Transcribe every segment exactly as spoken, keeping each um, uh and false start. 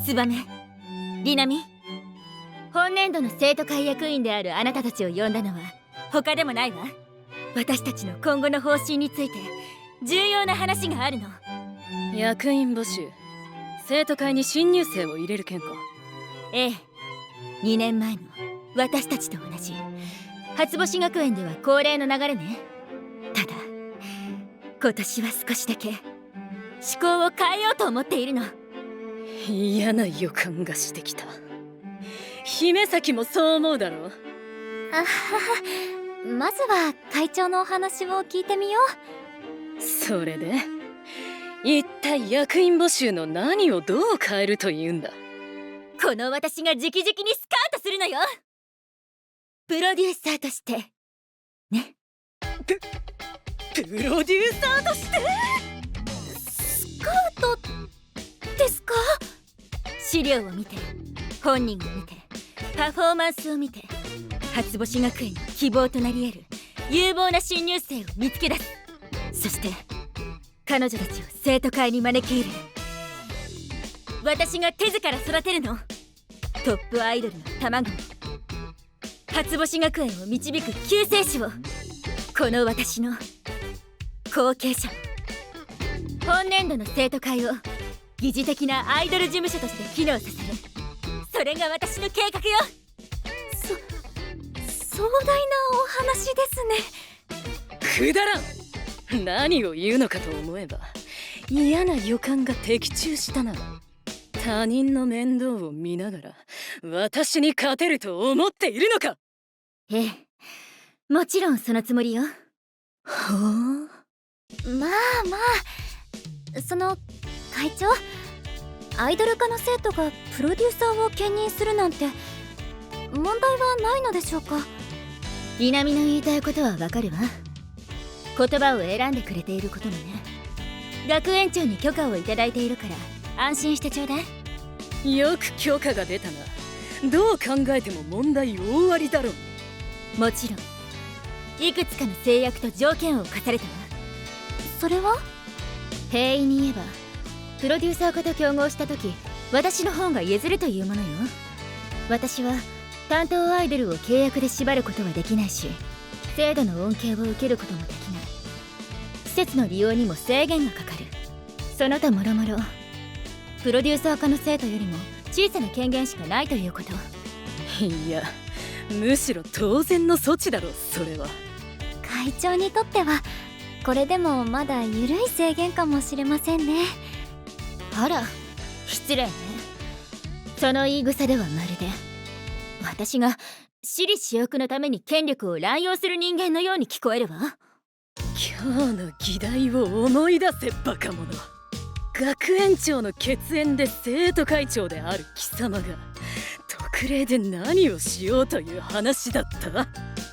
ツバメ、リナミ、本年度の生徒会役員であるあなたたちを呼んだのは他でもないわ。私たちの今後の方針について重要な話があるの。 役員募集、生徒会に新入生を入れる件か。 ええ、にねんまえの私たちと同じ初星学園では恒例の流れね。ただ今年は少しだけ思考を変えようと思っているの。 嫌な予感がしてきた。姫崎もそう思うだろう。 あはは、まずは会長のお話を聞いてみよう。それで一体役員募集の何をどう変えるというんだ。 この私が直々にスカウトするのよ。プロデューサーとしてね。 ププロデューサーとしてスカウトですか？ 資料を見て、本人を見て、パフォーマンスを見て、初星学園の希望となり得る有望な新入生を見つけ出す。そして彼女たちを生徒会に招き入れる。私が手から育てるの。トップアイドルの卵、初星学園を導く救世主を。この私の後継者。本年度の生徒会を疑似的なアイドル事務所として機能させる。それが私の計画よ。 そ壮大なお話ですね。くだらん。何を言うのかと思えば嫌な予感が的中したな。他人の面倒を見ながら私に勝てると思っているのか。 ええ、もちろんそのつもりよ。 はあ、 まあまあ、その会長、アイドル科の生徒がプロデューサーを兼任するなんて問題はないのでしょうか？ リナミの言いたいことはわかるわ。言葉を選んでくれていることもね。学園長に許可をいただいているから安心してちょうだい。 よく許可が出たな。どう考えても問題大ありだろう。 もちろんいくつかの制約と条件を課されたわ。 それは平易に言えばプロデューサー化と競合した時、私の方が譲るというものよ。私は担当アイドルを契約で縛ることはできないし、制度の恩恵を受けることもできない。施設の利用にも制限がかかる。その他もろもろプロデューサー化の生徒よりも小さな権限しかないということ。 いや、むしろ当然の措置だろそれは。 会長にとってはこれでもまだ緩い制限かもしれませんね。 あら、失礼ね。その言い草ではまるで私が私利私欲のために権力を乱用する人間のように聞こえるわ。 今日の議題を思い出せバカ者。学園長の血縁で生徒会長である貴様が特例で何をしようという話だった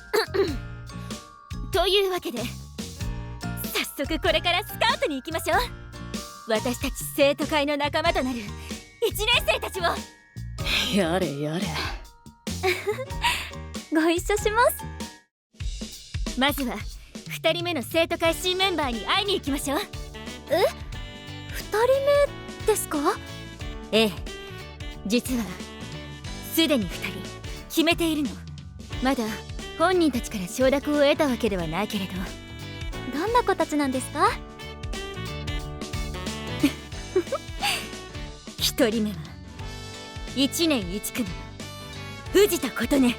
というわけで早速これからスカウトに行きましょう。私たち生徒会の仲間となるいちねん生たちを。 やれやれご一緒します。 まずはふたりめの生徒会新メンバーに会いに行きましょう。 え、ふたりめですか？ ええ、実はすでにふたり決めているの。まだ本人たちから承諾を得たわけではないけれど。 どんな子たちなんですか？ ひとりめはいちねんいち組の藤田琴音。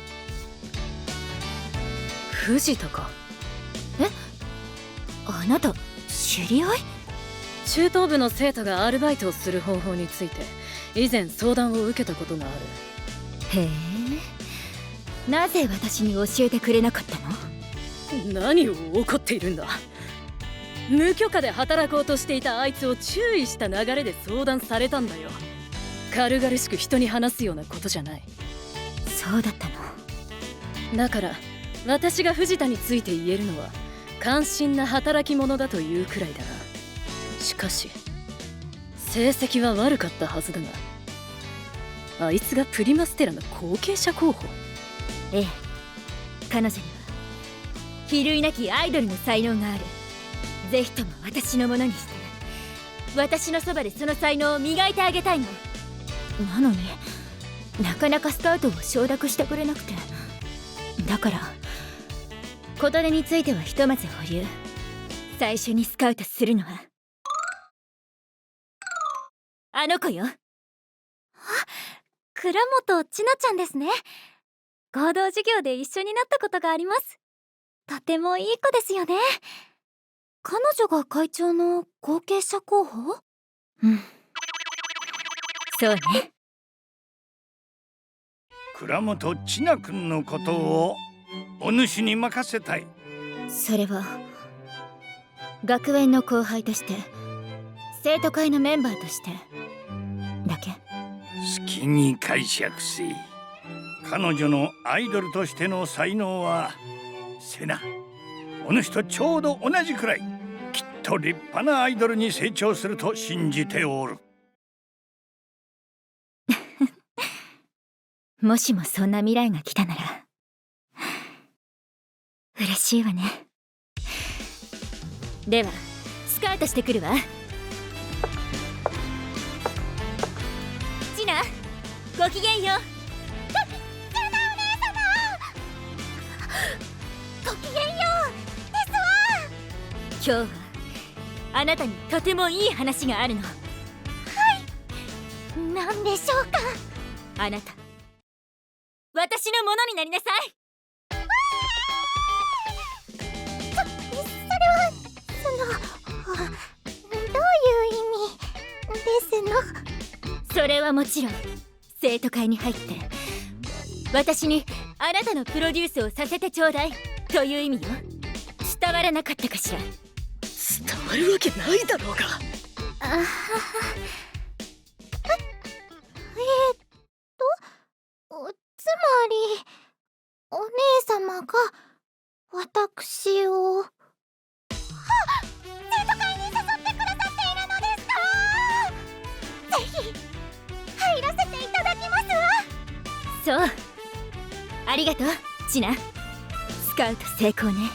藤田か。 え、あなた知り合い？ 中等部の生徒がアルバイトをする方法について以前相談を受けたことがある。 へえ、なぜ私に教えてくれなかったの？ 何を怒っているんだ。無許可で働こうとしていたあいつを注意した流れで相談されたんだよ。軽々しく人に話すようなことじゃない。 そうだったの。 だから私が藤田について言えるのは関心な働き者だというくらいだな。しかし成績は悪かったはずだが、あいつがプリマステラの後継者候補。 ええ、彼女には比類なきアイドルの才能がある。ぜひとも私のものにして私のそばでその才能を磨いてあげたいの。 なのになかなかスカウトを承諾してくれなくて、だから小鳥についてはひとまず保留。最初にスカウトするのはあの子よ。 倉本千奈ちゃんですね。合同授業で一緒になったことがあります。とてもいい子ですよね。彼女が会長の後継者候補？ うん、そうね。 倉本千奈君のことをお主に任せたい。 それは学園の後輩として、生徒会のメンバーとしてだけ。 好きに解釈せい。彼女のアイドルとしての才能はせな、お主とちょうど同じくらい、きっと立派なアイドルに成長すると信じておる。 もしもそんな未来が来たなら嬉しいわね。ではスカウトしてくるわ。ちな、ごきげんよう。 ごきげんようですわ。 今日はあなたにとてもいい話があるの。 何でしょうか？ あなた、私のものになりなさい。 そ、それはそのどういう意味ですの？ それはもちろん生徒会に入って私にあなたのプロデュースをさせてちょうだいという意味よ。伝わらなかったかしら？ 伝わるわけないだろうが。 あはは。ええー、っとつまりお姉様が私をはっ生徒会に誘ってくださっているのですか？ぜひ入らせていただきますわ。 そう、ありがとうチナ。スカウト成功ね。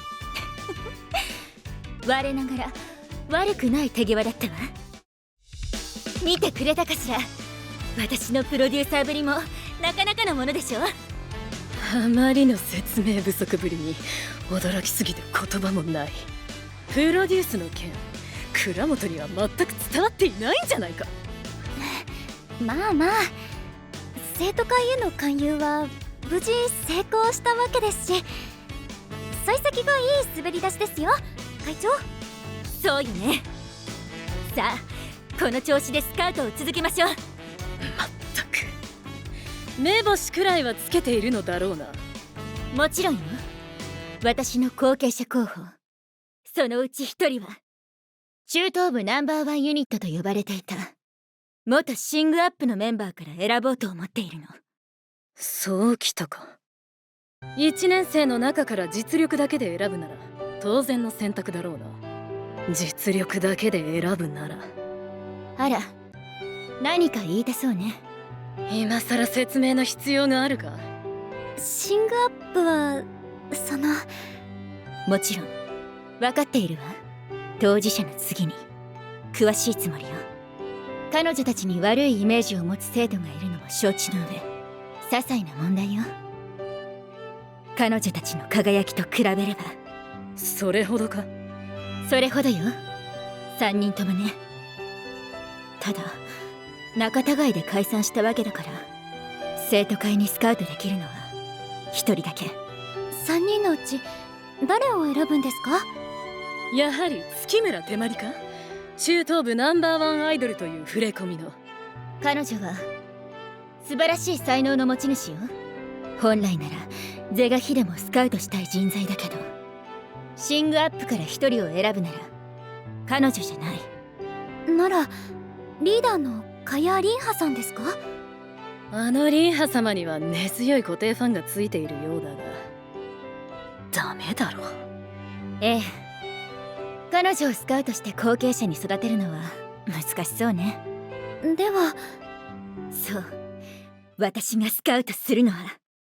我ながら悪くない手際だったわ。見てくれたかしら？私のプロデューサーぶりもなかなかのものでしょ。 あまりの説明不足ぶりに驚きすぎて言葉もない。プロデュースの件、倉本には全く伝わっていないんじゃないか。 まあまあ、生徒会への勧誘は無事成功したわけですし、幸先がいい滑り出しですよ会長。 そうよね。さあこの調子でスカウトを続けましょう。 まったく目星くらいはつけているのだろうな。 もちろんよ。私の後継者候補、そのうち一人は中東部ナンバーワンユニットと呼ばれていた元シングアップのメンバーから選ぼうと思っているの。 そうきたか。いちねん生の中から実力だけで選ぶなら当然の選択だろうな。実力だけで選ぶなら。 あら、何か言いたそうね。 今さら説明の必要があるか？ シングアップはそのもちろん分かっているわ。当事者の次に詳しいつもりよ。彼女たちに悪いイメージを持つ生徒がいるのも承知の上、些細な問題よ。彼女たちの輝きと比べれば。 それほどか？ それほどよ。三人ともね。ただ仲違いで解散したわけだから、生徒会にスカウトできるのは一人だけ。 さんにんのうち誰を選ぶんですか？ やはり月村手まりか？中東部ナンバーワンアイドルという触れ込みの。 彼女は素晴らしい才能の持ち主よ。本来なら是が非でもスカウトしたい人材だけど、シングアップから一人を選ぶなら彼女じゃない。 ならリーダーのカヤ・リンハさんですか？ あのリンハ様には根強い固定ファンがついているようだが、ダメだろう。 ええ、彼女をスカウトして後継者に育てるのは難しそうね。 ではそう、私がスカウトするのは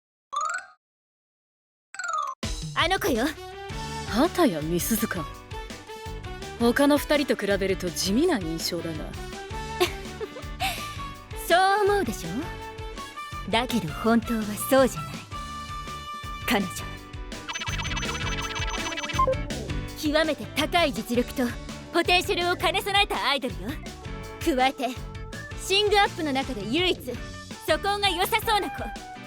あの子よ。 畑谷美鈴か。他の二人と比べると地味な印象だが。 そう思うでしょ。だけど本当はそうじゃない。彼女極めて高い実力とポテンシャルを兼ね備えたアイドルよ。加えてシングアップの中で唯一素行が良さそうな子。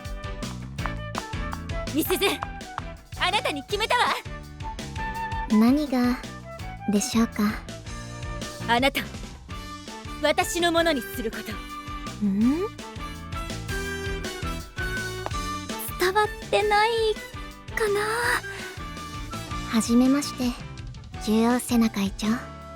みすず、あなたに決めたわ。 何がでしょうか。 あなたを私のものにすること。 ん伝わってないかな。はじめまして、獣王セナ会長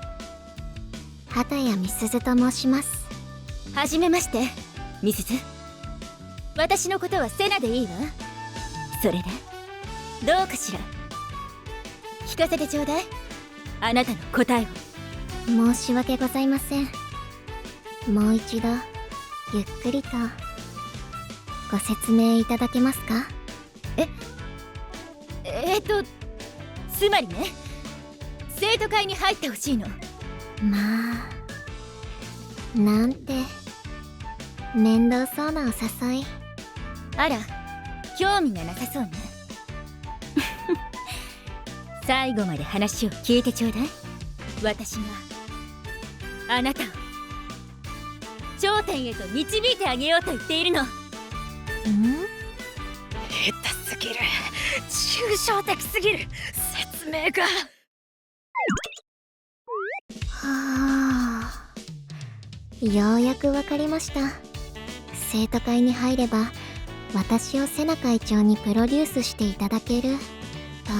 畑谷美鈴と申します。 はじめまして、みすず。私のことはセナでいいわ。それでどうかしら。聞かせてちょうだい、あなたの答えを。 申し訳ございません。もう一度ゆっくりとご説明いただけますか。 ええー、っとつまりね、生徒会に入ってほしいの。 まあ、なんて面倒そうなお誘い。 あら、興味がなさそうね。最後まで話を聞いてちょうだい。私があなたを頂点へと導いてあげようと言っているの。ん？ 下手すぎる、抽象的すぎる、説明が。 はあ、ようやくわかりました。生徒会に入れば私をセナ会長にプロデュースしていただけると。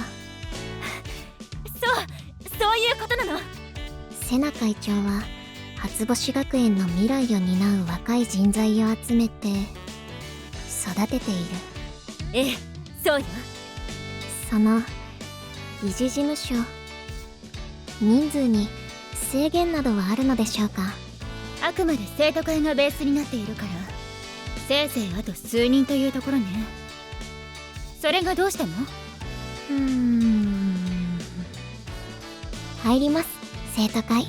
そうそういうことなの。 セナ会長は初星学園の未来を担う若い人材を集めて育てている。 ええ、そうよ。 その理事事務所、人数に制限などはあるのでしょうか。 あくまで生徒会がベースになっているから、せいぜいあと数人というところね。それがどうしたの？ うーん、入ります、生徒会。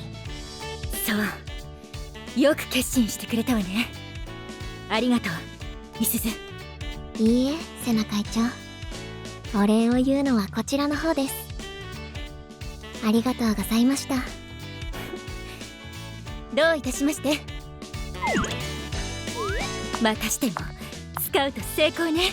そう、よく決心してくれたわね。ありがとう、みすず。 いいえ、セナ会長、お礼を言うのはこちらの方です。ありがとうございました。 どういたしまして。またしてもスカウト成功ね。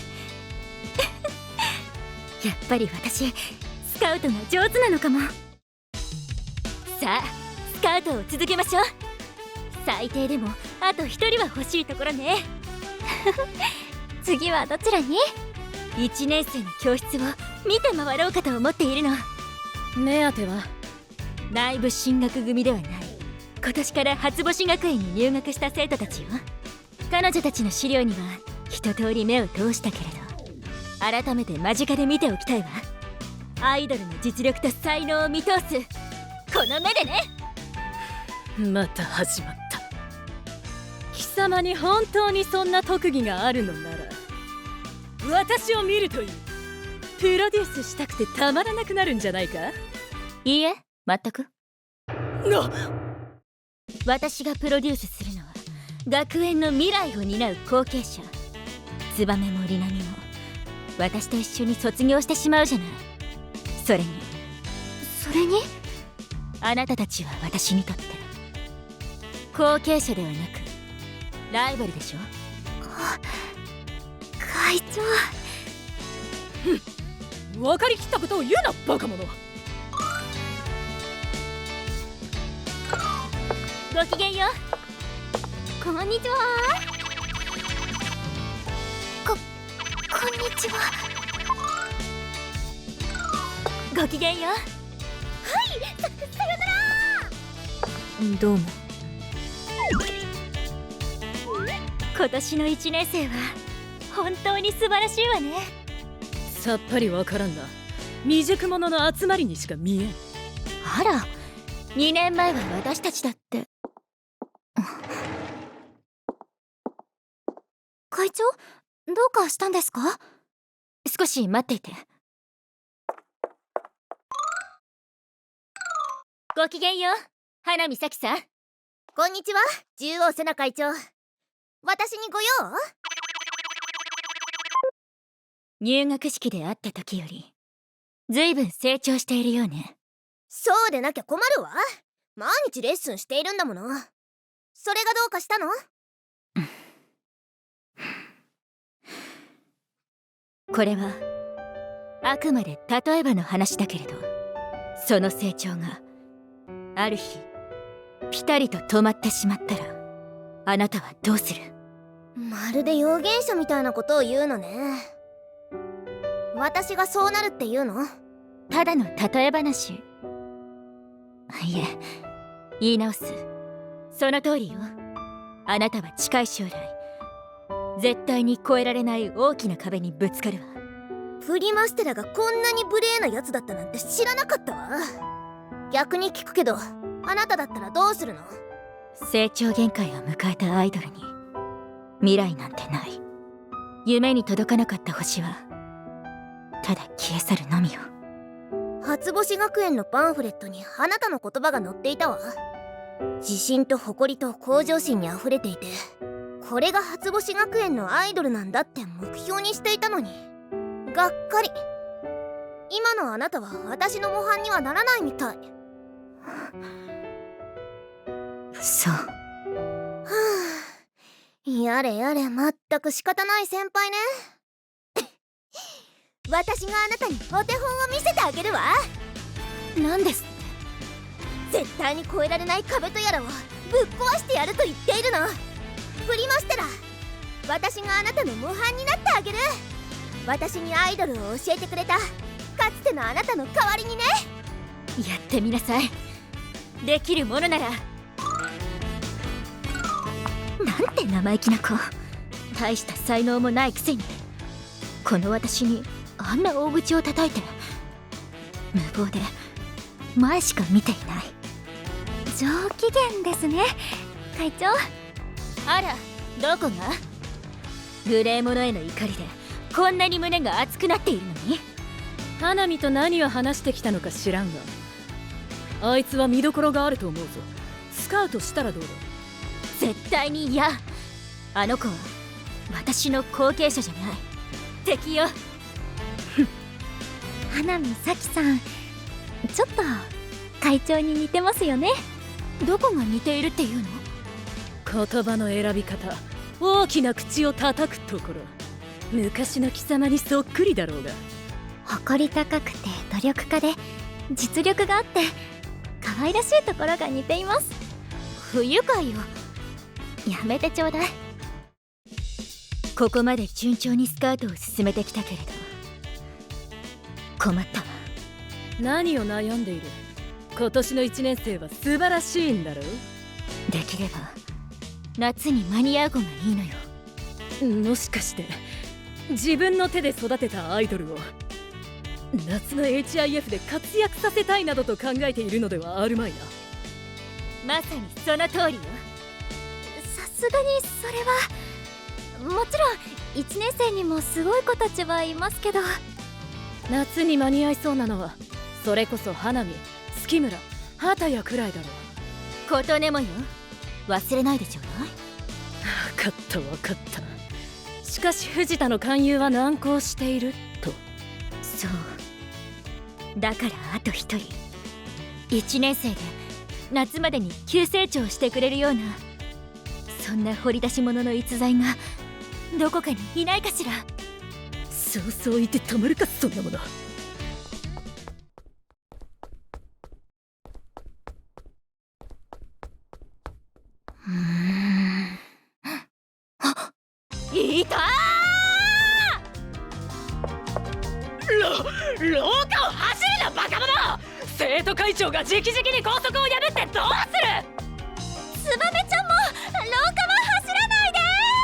やっぱり私スカウトが上手なのかも。さあ、スカウトを続けましょう。最低でもあと一人は欲しいところね。 次はどちらに？ いちねん生の教室を見て回ろうかと思っているの。 目当ては内部進学組ではない、今年から初星学園に入学した生徒たちよ。彼女たちの資料には一通り目を通したけれど、改めて間近で見ておきたいわ。アイドルの実力と才能を見通すこの目でね。 また始まった。貴様に本当にそんな特技があるのなら私を見るといい。プロデュースしたくてたまらなくなるんじゃないか。 いいえ、全く。 な私がプロデュースするのは学園の未来を担う後継者。ツバメもリナミも私と一緒に卒業してしまうじゃない。それにそれにあなたたちは私にとって後継者ではなくライバルでしょ。 会長。 分かりきったことを言うな、バカ者。 ごきげんよう。 こんにちは。こ、こんにちは。 ごきげんよう。 はい、さ、さよなら。 どうも。今年のいちねん生は本当に素晴らしいわね。 さっぱりわからんな。未熟者の集まりにしか見えん。 あら、にねんまえは私たちだって。 会長、どうかしたんですか？ 少し待っていて。ごきげんよう、花見咲さん。 こんにちは、獣王セナ会長。 私にご用？ 入学式で会った時よりずいぶん成長しているようね。 そうでなきゃ困るわ。毎日レッスンしているんだもの。それがどうかしたの？ これはあくまで例えばの話だけれど、その成長がある日ピタリと止まってしまったら、あなたはどうする？ まるで預言者みたいなことを言うのね。私がそうなるって言うの？ ただの例え話。いえ、言い直す。その通りよ。あなたは近い将来絶対に越えられない大きな壁にぶつかるわ。 プリマステラがこんなに無礼なやつだったなんて知らなかったわ。逆に聞くけど、あなただったらどうするの？ 成長限界を迎えたアイドルに未来なんてない。夢に届かなかった星はただ消え去るのみよ。 初星学園のパンフレットにあなたの言葉が載っていたわ。自信と誇りと向上心にあふれていて、これが初星学園のアイドルなんだって目標にしていたのに、がっかり。今のあなたは私の模範にはならないみたい。 そう。 はあ、やれやれ、まったく仕方ない先輩ね。私があなたにお手本を見せてあげるわ。 何ですって？ 絶対に越えられない壁とやらをぶっ壊してやると言っているの。プリマステラ、私があなたの模範になってあげる。私にアイドルを教えてくれたかつてのあなたの代わりにね。 やってみなさい。できるものなら。なんて生意気な子。大した才能もないくせにこの私にあんな大口を叩いて、無謀で前しか見ていない。 上機嫌ですね、会長。 あら、どこが？無礼者への怒りでこんなに胸が熱くなっているのに。 花見と何を話してきたのか知らんが、あいつは見どころがあると思うぞ。スカウトしたらどうだ？ 絶対に嫌。あの子は私の後継者じゃない、敵よ。 花見咲さん、ちょっと会長に似てますよね。 どこが似ているっていうの？ 言葉の選び方、大きな口を叩くところ、昔の貴様にそっくりだろうが。 誇り高くて努力家で実力があって可愛らしいところが似ています。 不愉快よ。 やめてちょうだい。 ここまで順調にスカウトを進めてきたけれど困ったわ。 何を悩んでいる？今年のいちねん生は素晴らしいんだろう。 できれば夏に間に合う子がいいのよ。 もしかして自分の手で育てたアイドルを夏の エイチアイエフ で活躍させたいなどと考えているのではあるまいな。 まさにその通りよ。 さすがにそれはもちろんいちねん生にもすごい子たちはいますけど、 夏に間に合いそうなのはそれこそ花見、月村、畑谷くらいだろう。 琴音もよ、忘れないでちょうだい。 分かった分かった。しかし藤田の勧誘は難航していると。 そうだからあと一人、いちねん生で夏までに急成長してくれるような、そんな掘り出し物の逸材がどこかにいないかしら。 そうそう言ってたまるか、そんなもの。 うーんあいたー！ろ廊下を走るなバカ者！生徒会長が直々に校則を破ってどうする！ ツバメちゃんも廊下は走らない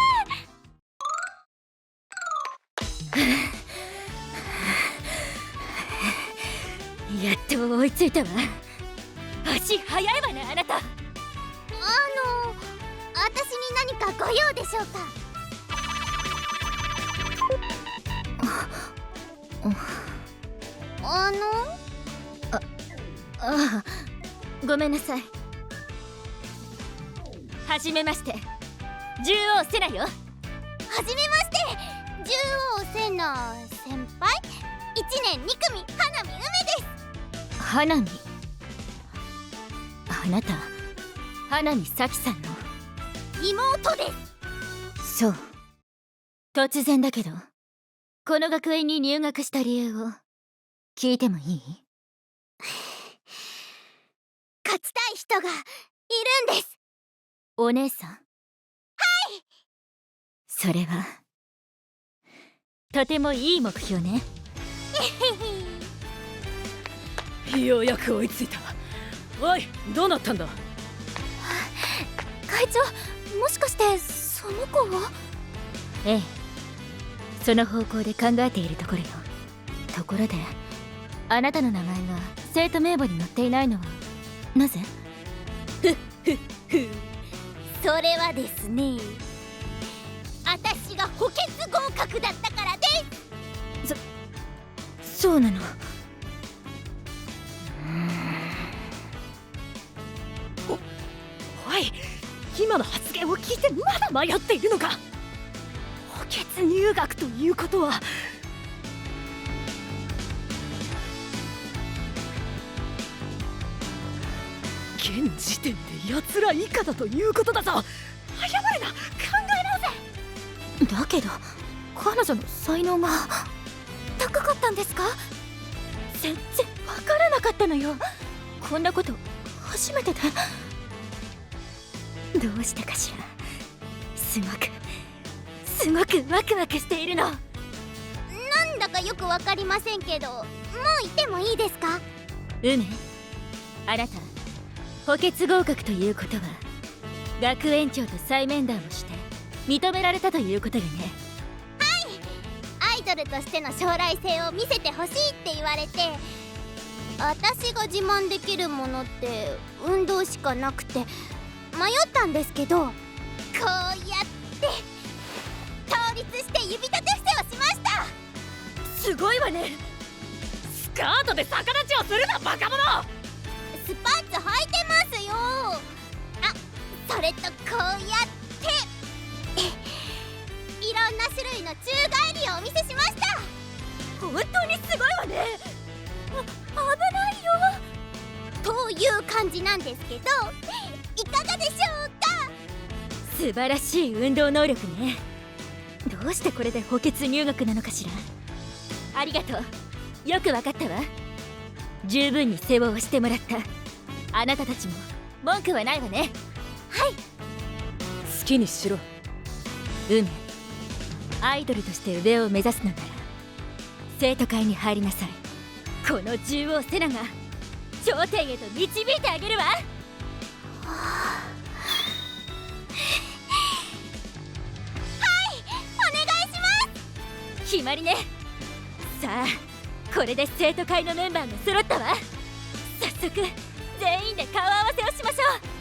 で。やっと追いついたわ。足速いわね、あなた。 あの私に何かご用でしょうか？あのああごめんなさい。はじめまして、 獣王セナよ。 はじめまして、獣王セナ先輩。いちねんに組花見梅です。 花見。あなた花見咲さんの妹です。 そう。突然だけどこの学園に入学した理由を聞いてもいい？ 勝ちたい人がいるんです。 お姉さん？はい。それはとてもいい目標ね。 ようやく追いついた。おい、どうなったんだ？ 会長、もしかしてその子は？ ええ、その方向で考えているところよ。ところであなたの名前が生徒名簿に載っていないのはなぜ？ ふっふっふ。それはですね、私が補欠合格だったからです。 そそうなの？ おい、今の発言を聞いてまだ迷っているのか？補欠入学ということは現時点で奴ら以下だということだぞ。謝れな、考え直せ。 だけど彼女の才能が高かったんですか？ 全然わからなかったのよ。こんなこと初めてで。どうしてかしら。すごくすごくワクワクしているの。 なんだかよくわかりませんけど、もういてもいいですか？ 梅、あなた補欠合格ということは学園長と再面談をして認められたということよね。 はい、アイドルとしての将来性を見せてほしいって言われて、私が自慢できるものって運動しかなくて迷ったんですけど、こうやって倒立して指立て伏せをしました。 すごいわね。スカートで逆立ちをするな、バカ者。 スパッツ履いてますよ。あ、それとこうやっていろんな種類の宙返りをお見せしました。 本当にすごいわね。 あ、危ないよという感じなんですけど、いかがでしょうか？ 素晴らしい運動能力ね。どうしてこれで補欠入学なのかしら。ありがとう、よくわかったわ。十分に世話をしてもらった。あなたたちも文句はないわね。 はい。 好きにしろ。 梅、アイドルとして上を目指すのなら生徒会に入りなさい。この獣王セナが頂点へと導いてあげるわ。決まりね。さあ、これで生徒会のメンバーが揃ったわ。早速全員で顔合わせをしましょう。